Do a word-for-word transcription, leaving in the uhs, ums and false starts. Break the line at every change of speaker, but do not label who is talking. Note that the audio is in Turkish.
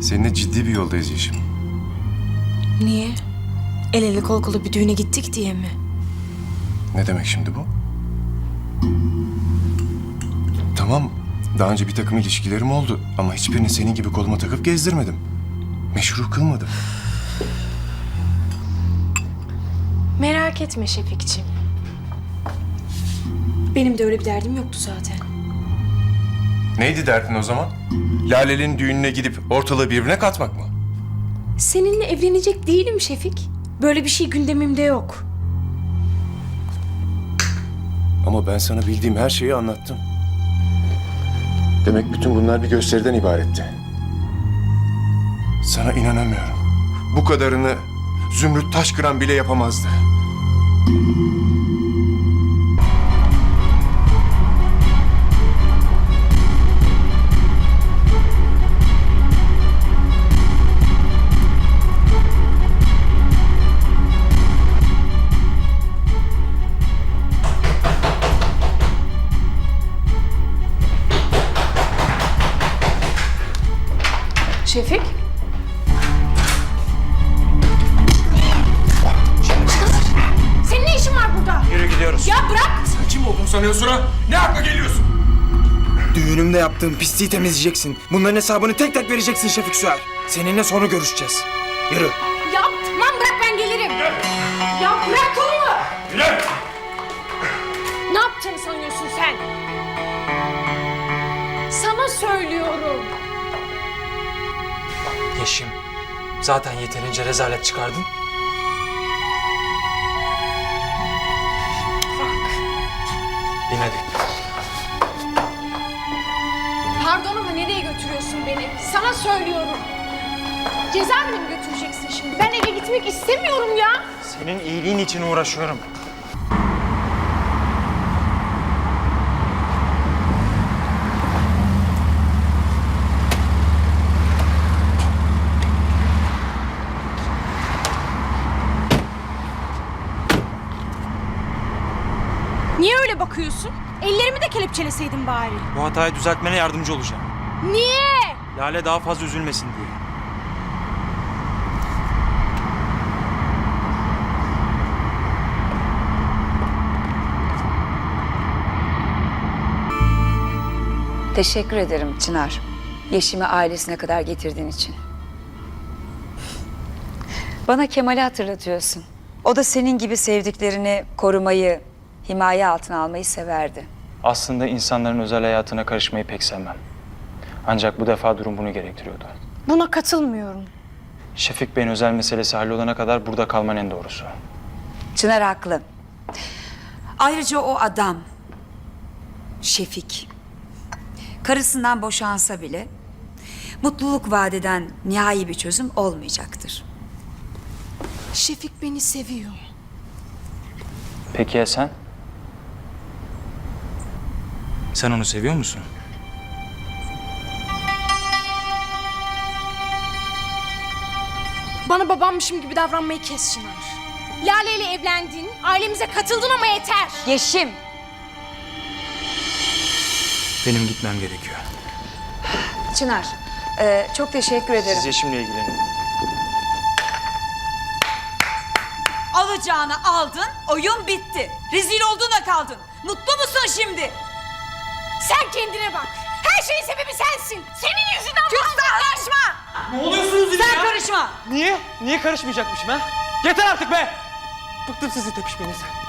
Seninle ciddi bir yoldayız Yeşim.
Niye? El ele kol kola bir düğüne gittik diye mi?
Ne demek şimdi bu? Tamam, daha önce bir takım ilişkilerim oldu ama hiçbirini senin gibi koluma takıp gezdirmedim. Meşru kılmadım.
Merak etme Şefikciğim. Benim de öyle bir derdim yoktu zaten.
Neydi derdin o zaman? Lale'nin düğününe gidip ortalığı birbirine katmak mı?
Seninle evlenecek değilim Şefik. Böyle bir şey gündemimde yok.
Ama ben sana bildiğim her şeyi anlattım. Demek bütün bunlar bir gösteriden ibaretti. Sana inanamıyorum. Bu kadarını Zümrüt Taşkıran bile yapamazdı.
Şefik? Senin ne işin var burada?
Yürü gidiyoruz.
Ya bırak!
Sen kim olduğunu sanıyorsun ha? Ne hakla geliyorsun?
Düğünümde yaptığın pisliği temizleyeceksin. Bunların hesabını tek tek vereceksin Şefik Süer. Seninle sonra görüşeceğiz. Yürü.
Ya tamam bırak ben gelirim. Ya bırak kolumu!
Yürü!
Ne yapacağını sanıyorsun sen? Sana söylüyorum.
Yeşim, zaten yeterince rezalet çıkardın.
Bak.
Bin hadi.
Pardon ama nereye götürüyorsun beni? Sana söylüyorum. Cezaevine mi götüreceksin şimdi? Ben eve gitmek istemiyorum ya.
Senin iyiliğin için uğraşıyorum.
Niye öyle bakıyorsun? Ellerimi de kelepçeleseydin bari.
Bu hatayı düzeltmene yardımcı olacağım.
Niye?
Lale daha fazla üzülmesin diye.
Teşekkür ederim Çınar. Yeşim'i ailesine kadar getirdiğin için. Bana Kemal'i hatırlatıyorsun. O da senin gibi sevdiklerini korumayı, himaye altına almayı severdi.
Aslında insanların özel hayatına karışmayı pek sevmem. Ancak bu defa durum bunu gerektiriyordu.
Buna katılmıyorum.
Şefik Bey'in özel meselesi hallolana kadar burada kalman en doğrusu.
Çınar haklı. Ayrıca o adam, Şefik, karısından boşansa bile mutluluk vadeden nihai bir çözüm olmayacaktır.
Şefik beni seviyor.
Peki ya sen? Sen onu seviyor musun?
Bana babammışım gibi davranmayı kes Çınar. Lale ile evlendin, ailemize katıldın ama yeter.
Yeşim!
Benim gitmem gerekiyor.
Çınar, e, çok teşekkür ederim.
Siz Yeşim'le ilgilenin.
Alacağını aldın, oyun bitti. Rezil olduğuna kaldın. Mutlu musun şimdi?
Sen kendine bak. Her şeyin sebebi sensin. Senin yüzünden
Karışma!
Ne oluyorsunuz yine
Sen
ya?
karışma!
Niye? Niye karışmayacakmışım ha? Yeter artık be! Bıktım sizi tepişmenizden.